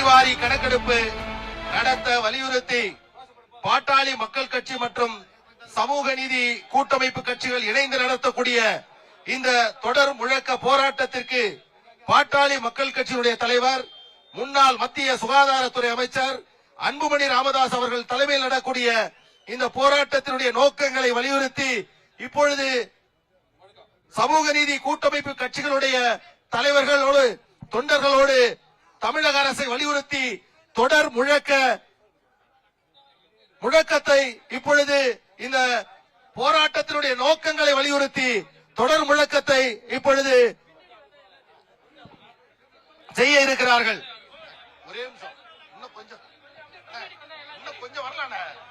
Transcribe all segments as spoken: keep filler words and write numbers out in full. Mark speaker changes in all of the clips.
Speaker 1: சாதிவாரி கணக்கெடுப்பு நடத்த வலியுறுத்தி பாட்டாளி மக்கள் கட்சி மற்றும் சமூக நீதி கூட்டமைப்பு கட்சிகள் இணைந்து நடத்தக்கூடிய இந்த தொடர் முழக்க போராட்டத்திற்கு பாட்டாளி மக்கள் கட்சியினுடைய தலைவர் முன்னாள் மத்திய சுகாதாரத்துறை அமைச்சர் அன்புமணி ராமதாஸ் அவர்கள் தலைமையில் நடக்கூடிய இந்த போராட்டத்தினுடைய நோக்கங்களை வலியுறுத்தி இப்பொழுது சமூக நீதி கூட்டமைப்பு கட்சிகளுடைய தலைவர்களோடு தொண்டர்களோடு தமிழக அரசை வலியுறுத்தி தொடர் முழக்க முழக்கத்தை இப்பொழுது இந்த போராட்டத்தினுடைய நோக்கங்களை வலியுறுத்தி தொடர் முழக்கத்தை இப்பொழுது செய்ய இருக்கிறார்கள். ஒரே நிமிஷம், இன்னும் கொஞ்சம் இன்னும் கொஞ்சம் வரலாம்.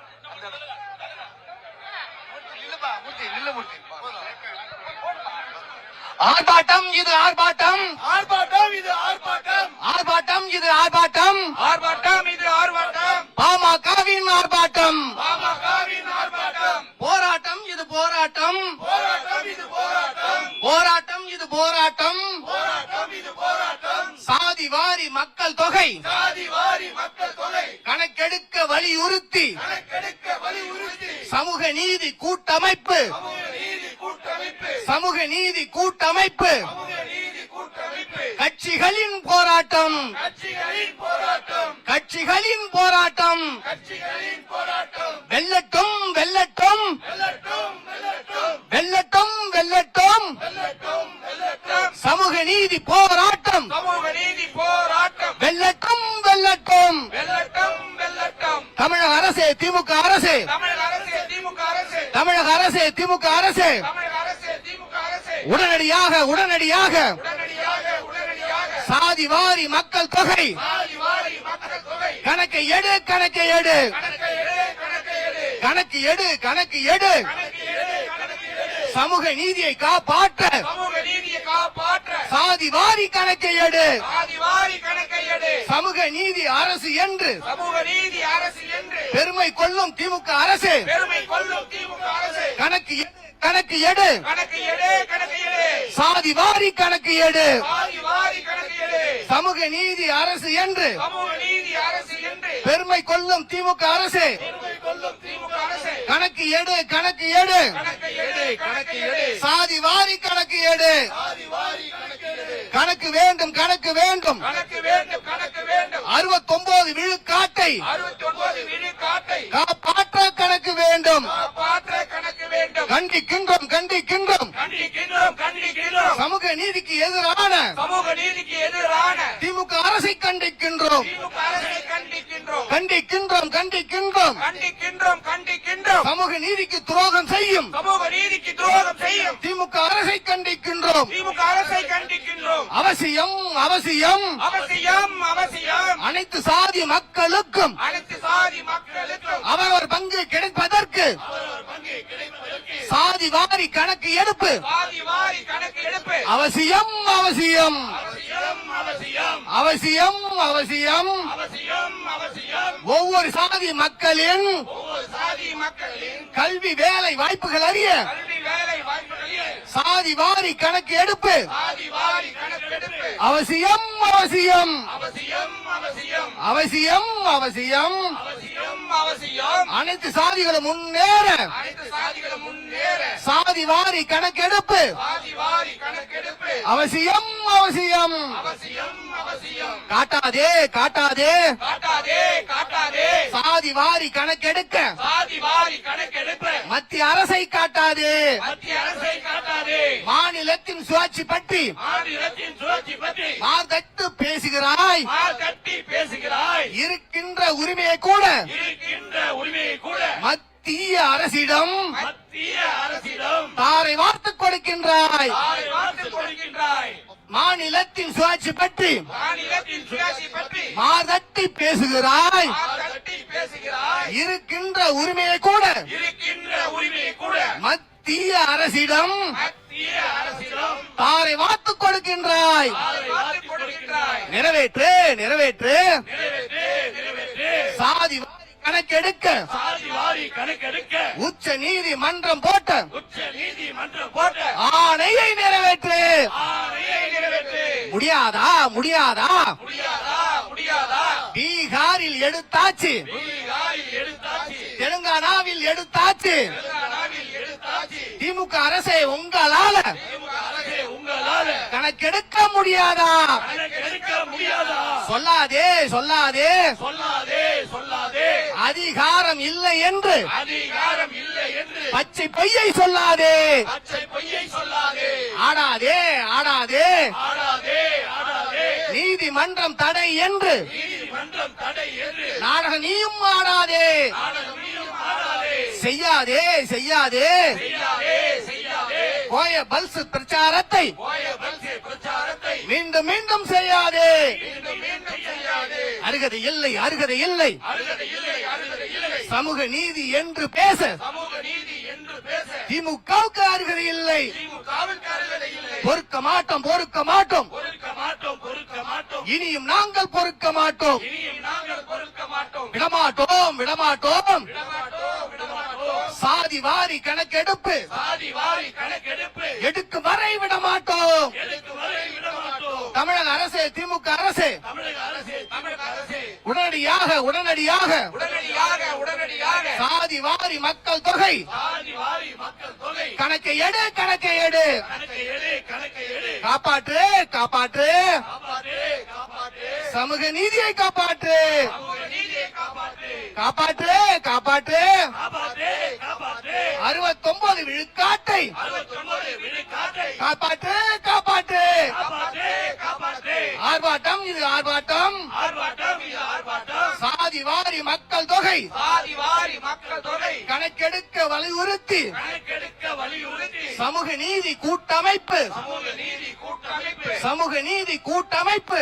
Speaker 2: ஆர்ப்பாட்டம் இது ஆர்ப்பாட்டம்,
Speaker 1: ஆர்ப்பாட்டம் இது ஆர்ப்பாட்டம்,
Speaker 2: ஆர்ப்பாட்டம் இது ஆர்ப்பாட்டம்,
Speaker 1: ஆர்ப்பாட்டம் இது ஆர்ப்பாட்டம்,
Speaker 2: பாமகவின் ஆர்ப்பாட்டம்,
Speaker 1: பாமகவின் ஆர்ப்பாட்டம்,
Speaker 2: போராட்டம் இது போராட்டம்,
Speaker 1: போராட்டம் இது போராட்டம்,
Speaker 2: போராட்டம் இது போராட்டம்,
Speaker 1: போராட்டம் இது போராட்டம்,
Speaker 2: சாதி வாரி மக்கள் தொகை
Speaker 1: சாதி வாரி மக்கள் தொகை
Speaker 2: கணக்கெடுக்க வலியுறுத்தி
Speaker 1: கணக்கெடுக்க வலியுறுத்தி
Speaker 2: சமூக நீதி கூட்டமைப்பு
Speaker 1: சமூக நீதி கூட்டமைப்பு
Speaker 2: சமூக நீதி கூட்டமைப்பு
Speaker 1: சமூக நீதி கூட்டமைப்பு
Speaker 2: கட்சிகளின் போராட்டம்
Speaker 1: கட்சிகளின் போராட்டம்
Speaker 2: கட்சிகளின் போராட்டம்
Speaker 1: கட்சிகளின் போராட்டம்
Speaker 2: வெல்லட்டும் வெல்லட்டும்
Speaker 1: வெல்லட்டும் வெல்லட்டும்
Speaker 2: வெல்லட்டும் வெல்லட்டும்
Speaker 1: வெல்லட்டும் வெல்லட்டும்
Speaker 2: சமூக நீதி போராட்டம்
Speaker 1: சமூக நீதி போராட்டம்
Speaker 2: வெல்லட்டும் வெல்லட்டும்
Speaker 1: வெல்லட்டும் வெல்லட்டும்
Speaker 2: தமிழக அரசே திமுக அரசே
Speaker 1: தமிழக அரசே திமுக அரசே
Speaker 2: தமிழக அரசே திமுக அரசே
Speaker 1: தமிழக அரசே திமுக அரசே
Speaker 2: உடனடியாக உடனடியாக
Speaker 1: உடனடியாக உடனடியாக
Speaker 2: சாதி வாரி மக்கள் தொகை
Speaker 1: சாதி வாரி மக்கள் தொகை
Speaker 2: கணக்கை எடு கணக்கை எடு
Speaker 1: கணக்கை எடு கணக்கை எடு
Speaker 2: கணக்கு எடு கணக்கு எடு
Speaker 1: கணக்கு எடு கணக்கு எடு
Speaker 2: சமூக நீதியை காப்பாற்ற
Speaker 1: சமூக நீதியை காப்பாற்ற
Speaker 2: சாதி வாரி கணக்கை எடு
Speaker 1: சாதி வாரி கணக்கை எடு
Speaker 2: சமூக நீதி அரசு என்று
Speaker 1: சமூக நீதி அரசு என்று
Speaker 2: பெருமை கொள்ளும் திமுக அரசு
Speaker 1: பெருமை கொள்ளும் திமுக அரசு
Speaker 2: கணக்கு எடு கணக்கு எடு
Speaker 1: கணக்கு எடு கணக்கு எடு
Speaker 2: சாதி வாரி கணக்கு எடு
Speaker 1: சாதி வாரி கணக்கு எடு
Speaker 2: சமூக நீதி அரசு என்று
Speaker 1: சமூக நீதி அரசு என்று
Speaker 2: பெருமை கொள்ளும் திமுக அரசு
Speaker 1: பெருமை கொள்ளும் திமுக அரசு
Speaker 2: கணக்கு எடு கணக்கு எடு
Speaker 1: கணக்கு எடு கணக்கு எடு
Speaker 2: சாதி வாரி கணக்கு எடு
Speaker 1: சாதி வாரி கணக்கு எடு
Speaker 2: கணக்கு வேண்டும் கணக்கு வேண்டும்
Speaker 1: கணக்கு வேண்டும் கணக்கு வேண்டும்
Speaker 2: அறுபத்தி ஒன்பது விழுக்காட்டை
Speaker 1: அறுபத்தி ஒன்பது விழுக்காட்டை
Speaker 2: காப்பாற்ற கணக்கு வேண்டும்
Speaker 1: காப்பாற்ற கணக்கு வேண்டும்
Speaker 2: கண்டிக்கின்றோம் கண்டிக்கின்றோம்
Speaker 1: கண்டிக்கின்றோம் கண்டிக்கின்றோம்
Speaker 2: சமூக நீதிக்கு எதிரான
Speaker 1: சமூக நீதிக்கு எதிரான
Speaker 2: திமுக அரசை கண்டிக்கின்றோம்
Speaker 1: திமுக அரசை கண்டிக்கின்றோம்
Speaker 2: கண்டிக்கின்றோம் கண்டிக்கின்றோம்
Speaker 1: கண்டிக்கின்றோம் கண்டிக்கின்றோம்
Speaker 2: சமூக நீதிக்கு துரோகம் செய்யும்
Speaker 1: சமூக நீதிக்கு துரோகம் செய்யும்
Speaker 2: திமுக அரசை கண்டிக்கின்றோம்
Speaker 1: திமுக அரசை கண்டிக்கின்றோம்
Speaker 2: அவசியம் அவசியம்
Speaker 1: அவசியம் அவசியம்
Speaker 2: அனைத்து சாதி மக்களுக்கும்
Speaker 1: அனைத்து சாதி மக்களுக்கும்
Speaker 2: அவரவர் பங்கு கிடைப்பதற்கு
Speaker 1: அவரவர் பங்கு கிடைப்பதற்கு
Speaker 2: சாதி வாரி கணக்கு எடுப்பு
Speaker 1: சாதி வாரி கணக்கு எடுப்பு
Speaker 2: அவசியம் அவசியம்
Speaker 1: அவசியம் அவசியம்
Speaker 2: அவசியம் அவசியம்
Speaker 1: அவசியம் அவசியம்
Speaker 2: ஒவ்வொரு சாதி மக்களின்
Speaker 1: ஒவ்வொரு சாதி மக்களின்
Speaker 2: கல்வி வேலை வாய்ப்புகள் அறிய
Speaker 1: கல்வி வேலை வாய்ப்புகளில்
Speaker 2: சாதி வாரி கணக்கு எடுப்பு
Speaker 1: சாதி வாரி கணக்கெடுப்பு
Speaker 2: அவசியம் அவசியம்
Speaker 1: அவசியம் அவசியம்
Speaker 2: அவசியம் அவசியம்
Speaker 1: அவசியம் அவசியம்
Speaker 2: அனைத்து சாதிகளும் முன்னேற
Speaker 1: அனைத்து சாதிகளும் முன்னேற
Speaker 2: சாதி வாரி கணக்கெடுப்பு
Speaker 1: சாதி வாரி கணக்கெடுப்பு
Speaker 2: அவசியம் அவசியம்
Speaker 1: அவசியம் அவசியம்
Speaker 2: காட்டாதே காட்டாதே
Speaker 1: காட்டாதே காட்டாதே
Speaker 2: சாதி வாரி கணக்கெடுக்க
Speaker 1: சாதி வாரி கணக்கெடுப்பு
Speaker 2: மத்திய அரசை காட்டாதே
Speaker 1: மத்திய அரசை காட்டாதே
Speaker 2: மாநிலத்தின் சுயாட்சி பற்றி
Speaker 1: மாநிலத்தின் சுழற்சி பற்றி
Speaker 2: மார்தட்டு பேசுகிறாய்
Speaker 1: மார் கட்டி பேசுகிறாய்
Speaker 2: இருக்கின்ற உரிமையை கூட
Speaker 1: இருக்கின்ற உரிமையை கூட
Speaker 2: மத்திய அரசிடம்
Speaker 1: மத்திய அரசிடம்
Speaker 2: தாரை வார்த்து கொடுக்கின்றாய்
Speaker 1: தாரை வார்த்து கொடுக்கின்றாய்
Speaker 2: மாநிலத்தின் சுயாட்சி பற்றி
Speaker 1: மாநிலத்தின் சுயாட்சி பற்றி
Speaker 2: மார்தட்டி பேசுகிறாய்
Speaker 1: மார் கட்டி பேசுகிறாய்
Speaker 2: இருக்கின்ற உரிமையை கூட
Speaker 1: இருக்கின்ற உரிமையை கூட
Speaker 2: மத்திய அரசிடம்
Speaker 1: மத்திய அரசிடம்
Speaker 2: தாரை வார்த்து கொடுக்கின்றாய்
Speaker 1: தாரை வார்த்து கொடுக்கின்றாய்
Speaker 2: நிறைவேற்று நிறைவேற்று
Speaker 1: நிறைவேற்று நிறைவேற்று
Speaker 2: சாதி வாரி கணக்கெடுக்க
Speaker 1: சாதி வாரி கணக்கெடுக்க
Speaker 2: உச்ச நீதிமன்றம் போட்ட
Speaker 1: உச்ச நீதிமன்றம் போட்ட
Speaker 2: ஆணையை நிறைவேற்று
Speaker 1: ஆணையை நிறைவேற்று
Speaker 2: முடியாதா முடியாதா
Speaker 1: முடியாதா முடியாதா
Speaker 2: பீகாரில் எடுத்தாச்சு தெலுங்கானாவில் எடுத்தாச்சு திமுக அரசே உங்களால கணக்கெடுக்க முடியாதா சொல்லாதே சொல்லாதே அதிகாரம் இல்லை என்று பச்சை பொய்யை சொல்லாதே ஆடாதே ஆடாதே நீதிமன்றம் தடை என்று நாடக நீயும் ஆடாதே செய்யாதே செய்யாதே போய பல்ஸ் பிரச்சாரத்தை மீண்டும் மீண்டும் செய்யாதே அருகதை இல்லை அருகதை இல்லை சமூக நீதி என்று பேச திமுகவுக்கு அருகதை இல்லை பொறுக்க மாட்டோம் பொறுக்க மாட்டோம் இனியும் நாங்கள் பொறுக்க மாட்டோம் விடமாட்டோம் விடமாட்டோம் சாதி வாரி கணக்கெடுப்பு எடுக்கும் வரை விடமாட்டோம் தமிழக அரசு திமுக அரசு உடனடியாக உடனடியாக சாதி வாரி மக்கள் தொகை கணக்கை எடு கணக்கை எடு காப்பாற்று காப்பாற்று சமூக நீதியை காப்பாற்று காப்பாற்று காப்பாற்று அறுபத்தி ஒன்பது விழுக்காட்டை காப்பாற்று காப்பாற்று ஆர்ப்பாட்டம் இது ஆர்ப்பாட்டம் சாதி வாரி மக்கள் தொகை கணக்கெடுக்க வலியுறுத்தி சமூக நீதி கூட்டமைப்பு சமூக நீதி கூட்டமைப்பு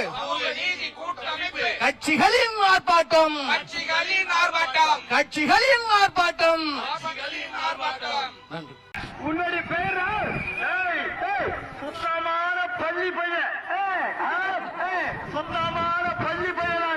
Speaker 2: கட்சிகளின் ஆர்ப்பாட்டம் கட்சிகளின் ஆர்ப்பாட்டம் நன்றி.
Speaker 3: உன்னுடைய பேர் சுத்தமான பள்ளி பையன் சுத்தமான பள்ளி பையனா